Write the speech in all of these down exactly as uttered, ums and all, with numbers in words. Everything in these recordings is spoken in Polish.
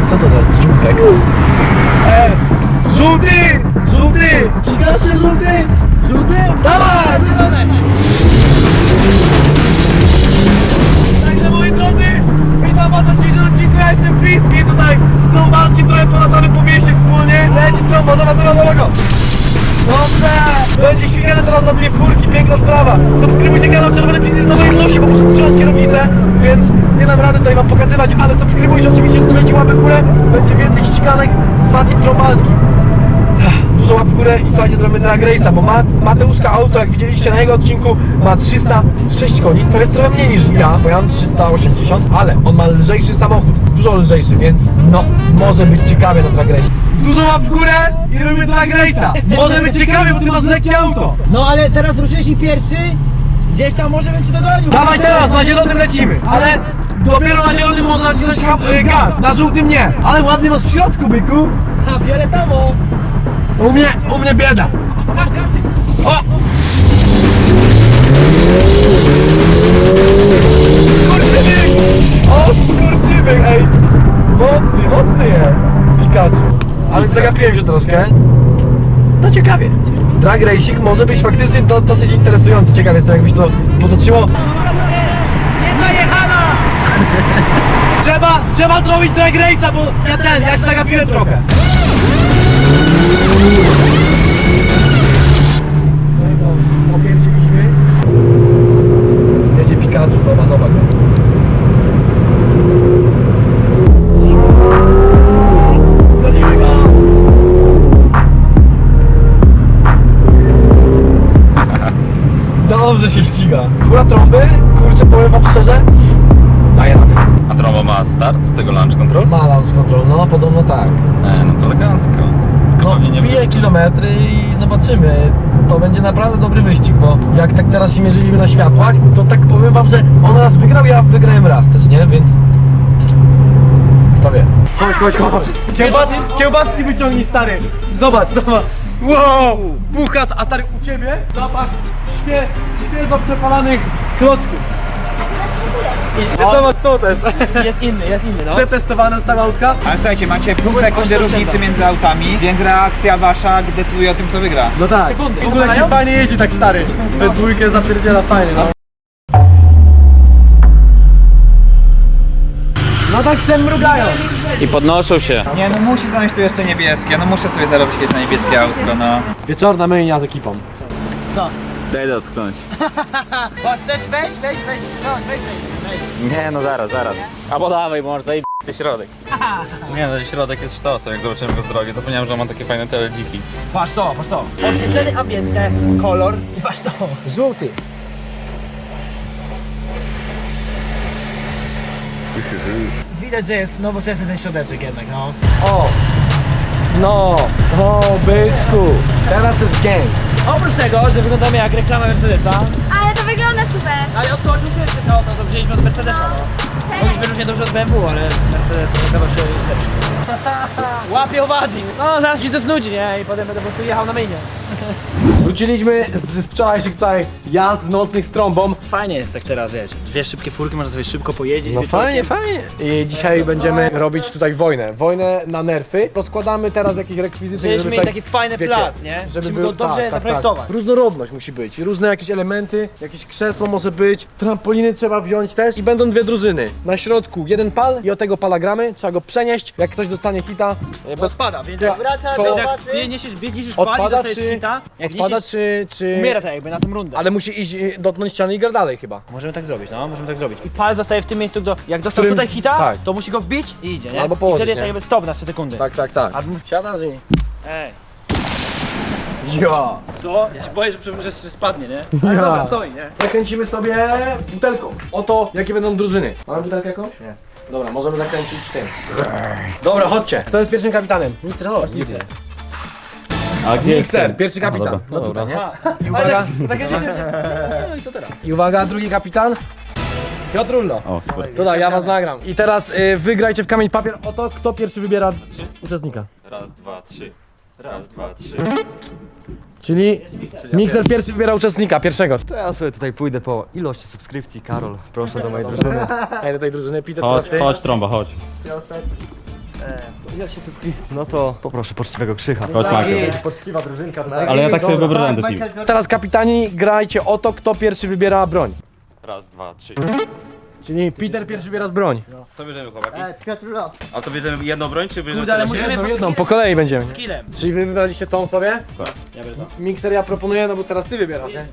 Co to za żółtek? E, żółty! Żółty! Gigasz się żółty! Żółty? Dawaj! Także moi drodzy, witam was na dzisiejszym odcinku, ja jestem Friski, tutaj z Trąbalskim trochę polatamy po mieście wspólnie. Leci trąba, zobacz, zobacz, zobacz go! Dobrze! Będzie śmigane teraz na dwie furki, piękna sprawa. Subskrybujcie kanał Czerwony Biznes na moim nosie, bo muszę trzymać kierownicę, więc nie dam rady tutaj wam pokazywać, ale subskrybujcie oczywiście, stawiajcie łapy w górę. Będzie więcej ściganek z Matim Trąbalskim. Dużo łap w górę i słuchajcie, zrobimy drag race'a, bo Mat, Mateuszka auto, jak widzieliście na jego odcinku, ma trzysta sześć koni. To jest trochę mniej niż ja, bo ja mam trzysta osiemdziesiąt, ale on ma lżejszy samochód, dużo lżejszy, więc no, może być ciekawie na drag race. Dużo łap w górę i robimy drag race'a. Może być ciekawie, bo ty masz lekkie auto. No ale teraz ruszyłeś mi pierwszy, gdzieś tam może bym cię dogonił. Dawaj teraz, na zielonym lecimy, ale dopiero na zielonym można nacisnąć gaz, na żółtym nie. Ale ładny masz w środku, byku. A fioletowo. U mnie, u mnie bieda. Każdy, każdy. O! Skurczybyk! O, skurczybyk, ej! Mocny, mocny jest Pikachu. Ale zagapiłem się troszkę. No ciekawie. Drag racing może być faktycznie do, dosyć interesujący. Ciekawe jestem, jakbyś to potoczyło. Nie zajechana! Trzeba, trzeba zrobić drag race'a, bo ja ten, ja się zagapiłem trochę. Opierdzieliśmy. Jedzie Pikachu, zobacz, zobacz go. Gonimy go! Dobrze się ściga. Fura trąby, kurczę, powiem wam szczerze, daje radę. A trąba ma start z tego launch control? Ma launch control, no podobno tak. E, no to elegancko. Tylko No, pewnie nie wbije będzie- kilometry i zobaczymy. To będzie naprawdę dobry wyścig, bo jak tak teraz się mierzyliśmy na światłach, to tak powiem wam, że on raz wygrał, ja wygrałem raz też, nie? Więc... Kto wie? Chodź, chodź, chodź. Kiełbaski, kiełbaski wyciągnij, stary. Zobacz, zobacz. Wow! Buchas, a stary, u ciebie zapach świe, świeżo przepalanych klocków. I zobacz to też. Jest inny, jest inny, no. Przetestowane stare autka. Ale słuchajcie, macie pół sekundy proszę, różnicy oszczędzam. między autami, więc reakcja wasza decyduje o tym, kto wygra. No tak. Sekundy. W ogóle jak się fajnie jeździ tak stary. We dwójkę zapierdziela fajnie, no. No tak się mrugają. I podnoszą się. Nie, no musi znaleźć tu jeszcze niebieskie, no muszę sobie zarobić kiedyś na niebieskie autko, no. Wieczorna myjnia z ekipą. Co? Daj dotknąć. Bo chcesz, weź, weź, weź, no, weź, weź, weź. Nie, no zaraz, zaraz. Albo dawaj, może zajebać środek. Nie no, środek jest sztosem, jak zobaczyłem go z drogi. Zapomniałem, że ma takie fajne teledziki. Patrz to, patrz to. Oświetlony ambiente, kolor i patrz to. Żółty. Widać, że jest nowoczesny ten środeczek jednak, no. O! No! O, byczku! Teraz to jest gang. Oprócz tego, że wyglądamy jak reklama Mercedesa, Ale to wygląda super. ale odskoczył się jeszcze to, to wzięliśmy od Mercedesa, no. Mogliśmy równie dobrze od B M W, ale Mercedes okazywał się lepszy. Łapie owadi. No, zaraz mi się to znudzi, nie? I potem będę po prostu jechał na myjnie. Wróciliśmy z wczorajszych tutaj jazd nocnych z trąbą. Fajnie jest tak teraz, wiesz, dwie szybkie furki, można sobie szybko pojeździć. No wieczorkiem. fajnie, fajnie. I dzisiaj będziemy robić tutaj wojnę. Wojnę na nerfy. Rozkładamy teraz jakieś rekwizyty, Żebyśmy żeby mieli tak, taki fajny wiecie, plac, nie? Żeby Musimy był go dobrze tak, tak, zaprojektować. Tak. Różnorodność musi być. Różne jakieś elementy, jakieś krzesło może być. Trampoliny trzeba wziąć też. I będą dwie drużyny. Na środku jeden pal i od tego pala gramy. Trzeba go przenieść. Jak ktoś dostanie hita, e, Bo bez spada, więc to- jak, to więc jak biegniesz, biegniesz już pali, odpada dostajesz czy, hita, jak odpada niesiesz, czy, czy... umiera tak jakby na tą rundę. Ale musi iść, e, dotknąć ściany i grać dalej chyba. Możemy tak zrobić, no, możemy tak zrobić. I pal zostaje w tym miejscu, do, jak dostał Którym- tutaj hita, tak. to musi go wbić i idzie, nie? Albo I położyć, wtedy jest nie? tak jakby stop na trzy sekundy. Tak, tak, tak. A- Siadasz i... Ej. Ja. Co? Ja się boję, że, że, że spadnie, nie? Ale Ja. dobra, stoi, nie? Zakręcimy sobie butelką. Oto jakie będą drużyny. Mamy butelkę jakąś? Nie. Dobra, możemy zakręcić tym. Dobra, chodźcie. Kto jest pierwszym kapitanem? Mikser, chodź. Mikser. A gdzie Mikser, pierwszy kapitan. No dobra. tutaj, nie? A, I uwaga. tak, zakręcicie się. No i co teraz? I uwaga, drugi kapitan. Piotrullo. O, super. Tutaj, ja was nagram. I teraz y, wygrajcie w kamień papier o to, kto pierwszy wybiera uczestnika. Raz, dwa, trzy. Raz, dwa, trzy. Czyli Mikser pierwszy wybiera uczestnika, pierwszego. To ja sobie tutaj pójdę po ilości subskrypcji. Karol, proszę do mojej drużyny. Ej, do tej drużyny, Peter, Chodź, teraz ty. chodź trąba, chodź. Ile się subskrypcji? No to poproszę poczciwego Krzycha. Chodź, Michael. Poczciwa drużynka tutaj. Ale ja tak sobie wyobrażam ten team. Teraz kapitani, grajcie o to, kto pierwszy wybiera broń. Raz, dwa, trzy. Czyli Peter pierwszy wybiera broń. Co bierzemy, chłopaki? Piotrulo. A to bierzemy jedną broń, czy bierzemy Kurde, ale sobie musimy Jedną, jedną, po kolei będziemy. killem. Czyli wy wybraliście tą sobie? Tak. Ja biorę to. Mikser ja proponuję, no bo teraz ty wybierasz, nie?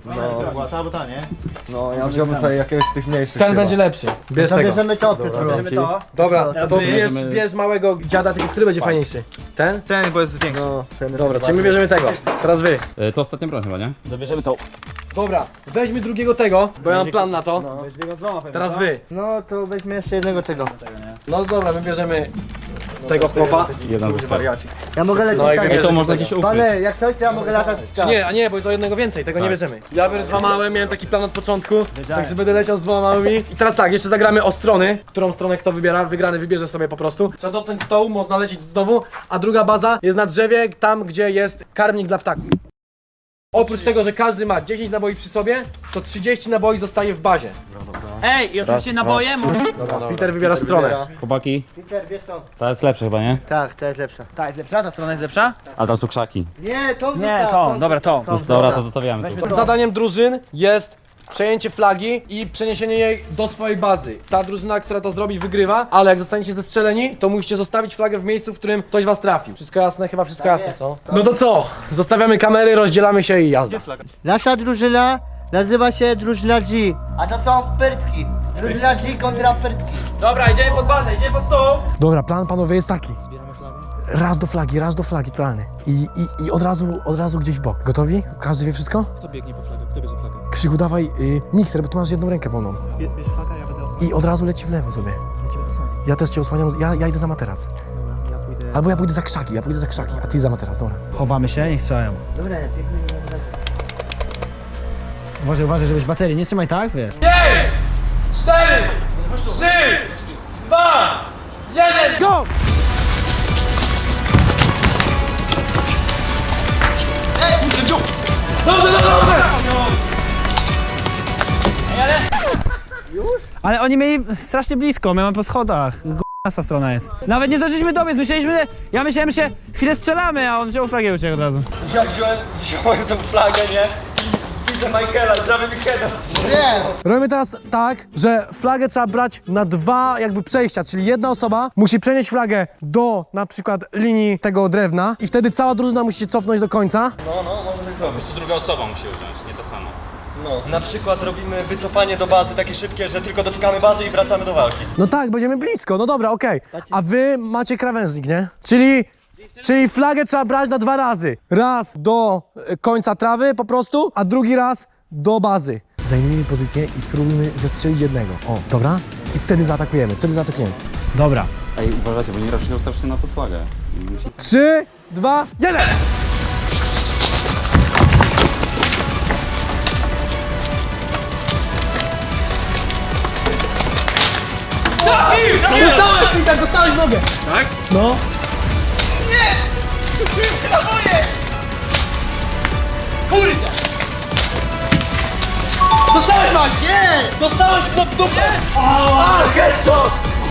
No ja wziąłbym sobie jakiegoś z tych mniejszych Ten chyba. będzie lepszy. Bierz tego. Bierzemy to, Bierzemy to. Dobra, to, Teraz to wy. bierz, Bierzemy- bierz małego dziada, tylko który będzie fajniejszy? Ten? Ten, bo jest większy. No, ten Dobra, czyli my bierzemy tego. Teraz wy. E, To ostatnia broń chyba, nie? Dobierzemy to. Dobra, weźmy drugiego tego, bo ja mam plan na to. Teraz wy. No to weźmy jeszcze jednego tego. No dobra, my bierzemy tego chłopa. Jeden zostaje. Ja mogę lecieć No i tak. Ej, to można gdzieś ukryć. Panie, jak coś, to ja mogę latać. Czy nie, a nie, bo jest o jednego więcej, tego nie bierzemy. Ja biorę dwa małe, miałem taki plan od początku, także będę leciał z dwoma małymi. I teraz tak, jeszcze zagramy o strony, którą stronę kto wybiera, wygrany wybierze sobie po prostu. Trzeba dotknąć stołu, można lecieć znowu, a druga baza jest na drzewie, tam gdzie jest karmnik dla ptaków. Oprócz tego, że każdy ma dziesięć naboi przy sobie, to trzydzieści naboi zostaje w bazie. Ej, i oczywiście naboje. Dobra, Peter wybiera stronę. Chłopaki, Peter, wiesz to. ta jest lepsza chyba, nie? Tak, to jest lepsza. Ta jest lepsza, ta strona jest lepsza? A tam są krzaki. Nie, to Nie, zostaw, to, dobra, to. Dobra, to zostawiamy tu. Zadaniem drużyn jest przejęcie flagi i przeniesienie jej do swojej bazy. Ta drużyna, która to zrobi, wygrywa, ale jak zostaniecie zestrzeleni, to musicie zostawić flagę w miejscu, w którym ktoś was trafił. Wszystko jasne? Chyba wszystko jasne, co? No to co? Zostawiamy kamery, rozdzielamy się i jazda. Nasza drużyna nazywa się drużyna G. A to są pyrtki. Drużyna G kontra pyrtki. Dobra, idziemy pod bazę, idziemy pod stół. Dobra, plan panowie jest taki. Raz do flagi, raz do flagi, totalny. I, i, i od razu, od razu gdzieś w bok. Gotowi? Każdy wie wszystko? Kto biegnie po flagę? Kto bierze flagę? Krzychu, dawaj y, mikser, bo tu masz jedną rękę wolną. Bierz flagę, ja będę I od razu leci w lewo sobie. Ja też cię osłaniam, ja, ja idę za materac. Albo ja pójdę za krzaki, ja pójdę za krzaki, a ty za materac, dobra. Chowamy się, niech strzelają. Dobra, Uważaj, uważaj, żebyś baterii nie trzymaj tak, wiesz. Go! Ale oni mieli strasznie blisko, my mamy po schodach. G***a strona jest. Nawet nie zdążyliśmy dobiec, myśleliśmy, ja myślałem, że chwilę strzelamy, a on wziął flagę i uciekł od razu. Ja wziąłem, wziąłem tą flagę, nie? Widzę Michaela, prawie mi heada. nie. Robimy teraz tak, że flagę trzeba brać na dwa jakby przejścia, czyli jedna osoba musi przenieść flagę do na przykład linii tego drewna i wtedy cała drużyna musi się cofnąć do końca. To druga osoba musi usiąść, nie ta sama. No, na przykład robimy wycofanie do bazy takie szybkie, że tylko dotykamy bazy i wracamy do walki. No tak, będziemy blisko, no dobra, okej. A wy macie krawężnik, nie? Czyli, czyli flagę trzeba brać na dwa razy. Raz do e, końca trawy po prostu, a drugi raz do bazy. Zajmijmy pozycję i spróbujmy zestrzelić jednego. O, dobra? I wtedy zaatakujemy, wtedy zaatakujemy. Dobra. Ej, uważajcie, bo nie raczej strasznie na tą flagę. Trzy, dwa, jeden! Dostałeś, Peter, dostałeś nogę! Tak? No. Dostałeś, Max! Nie! Dostałeś do dupy! A, headshot!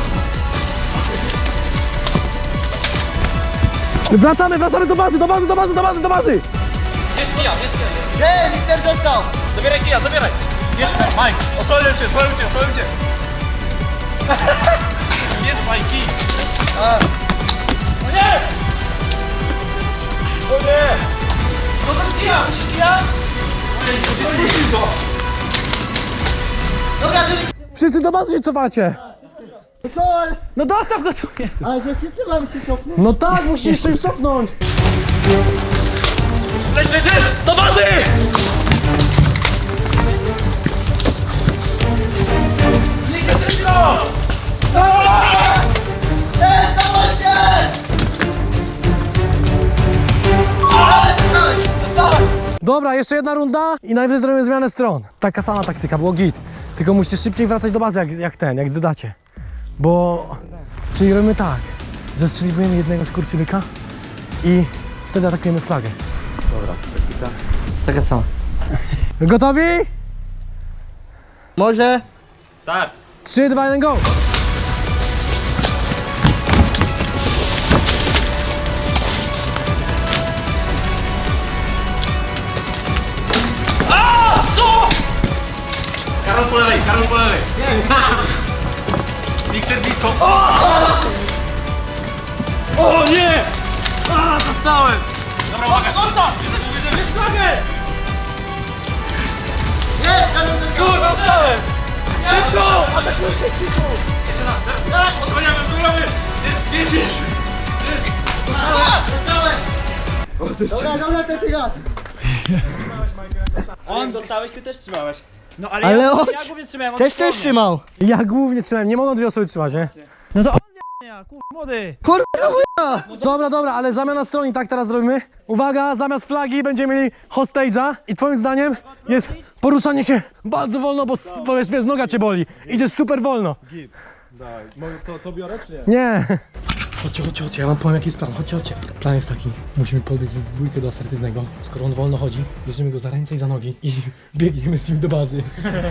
Wracamy, wracamy do bazy, do bazy, do bazy, do bazy, do bazy! Jest kija, jest kija. Nie, Peter dostał. Zabieraj kija, zabieraj. Bierz, Mike, osłonię cię, osłonię cię, osłonię cię. Jest Mike, kij. O nie! O nie! No to kija, kija! Dobra, czyli... Wszyscy do bazy się cofacie! Co? ale- No dostaw go tu, jest. Ale że wszyscy mamy się cofnąć. No tak, musisz się cofnąć! Leć, leć, leć! Do bazy! Dobra, jeszcze jedna runda i najwyżej zrobimy zmianę stron. Taka sama taktyka, było git. Tylko musicie szybciej wracać do bazy jak, jak ten, jak zdedacie. Bo... Czyli robimy tak. Zestrzeliwujemy jednego skurczybyka i wtedy atakujemy flagę. Taka sama. Gotowi? Może? Start! trzy, dwa, jeden, go! jest blisko. O! O nie! A, dostałem! Dobra, uwaga! Korta! Jest flagę! Kurwa, dostałem! Szybko! Atakujcie szybko! Jeszcze raz, teraz! Osłaniamy, osłaniamy! Jest, jest, Dobra, dobra, to ty ja. On dostałeś, ty też trzymałeś. No ale, Ale ja, on ja głównie trzymałem, on też po mnie. też trzymał. Ja głównie trzymałem, nie mogą dwie osoby trzymać, nie? No to on ja, kur... młody. Kurwa, Dobra, dobra, ale zamiana stron i tak teraz zrobimy. Uwaga, zamiast flagi będziemy mieli hostage'a i twoim zdaniem jest poruszanie się bardzo wolno, bo, bo wiesz, wiesz, noga cię boli. Idziesz super wolno. To, to biorę czy nie? Nie. Chodźcie, chodźcie, chodźcie, ja wam powiem jaki jest plan, chodźcie, chodźcie. Plan jest taki, musimy podbiec w dwójkę do asertywnego. Skoro on wolno chodzi, bierzemy go za ręce i za nogi i biegniemy z nim do bazy.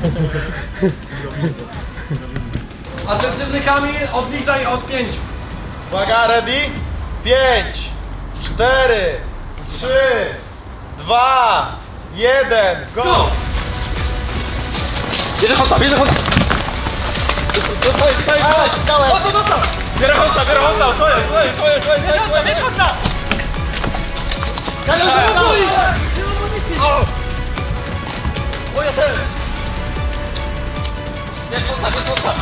Asertywny Kamil, odliczaj od pięciu. Uwaga, ready? Pięć, cztery, trzy, dwa, jeden, go! Bierze Honda, bierze Honda. Dostaj, dostaj, dostaj. O, to dostał. Bierze Honda, bierze Honda, to jest, to jest, to jest, to jest, to jest, to jest. Bierze Honda. O! O, ja też. Bierze Honda, bierze Honda.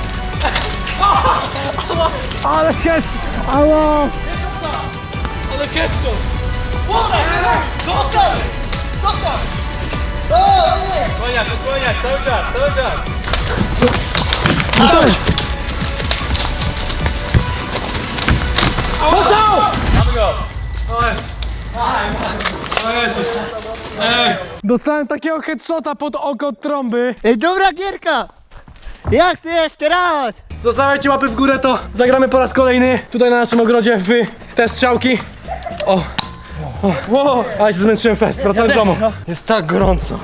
Ale jest! Alo! Ale ketchup. Woda, dostał. Dostał. Słoniak, słoniak, cały czas, cały czas. Mamy go! Oj! O Jezus! Ej! Dostałem takiego headshota pod oko od trąby. Ej, dobra gierka. Jak ty jeszcze raz? Zostawiajcie łapy w górę, to zagramy po raz kolejny tutaj na naszym ogrodzie w te strzałki. O! O! Wow. Ale się zmęczyłem fest, wracamy do domu. Jest tak gorąco.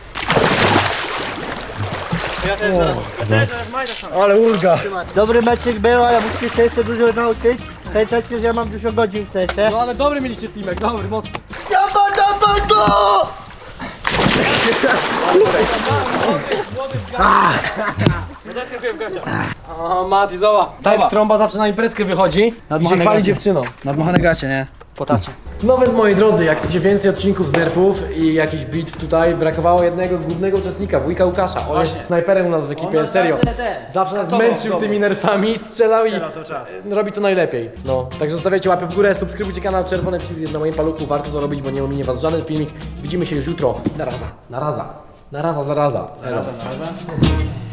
Ale ulga. Dobry meczek był, ale musicie się jeszcze dużo nauczyć. Pamiętajcie, że ja mam dużo godzin w C S. No ale dobry mieliście teamek, dobry, mocny. Dawaj, dawaj go! O, Mati, zobacz. Tak, trąba zawsze na imprezkę wychodzi i się Nadmuchane chwali gacie. dziewczyną. Nadmuchane gacie, nie? Po tacie. No więc moi drodzy, jak chcecie więcej odcinków z nerfów i jakichś bitw tutaj, brakowało jednego głównego uczestnika, wujka Łukasza. On jest snajperem u nas w ekipie, nas serio. zawsze ten, Zawsze nas kasował, męczył kasował. tymi nerfami, strzelał i Strzela cały czas. robi to najlepiej. No, także zostawiajcie łapy w górę, subskrybujcie kanał, czerwony przycisk jest na moim paluchu, warto to robić, bo nie ominie was żaden filmik. Widzimy się już jutro. Na raza, na raza, na raza, zaraza. Zarazem, zarazem.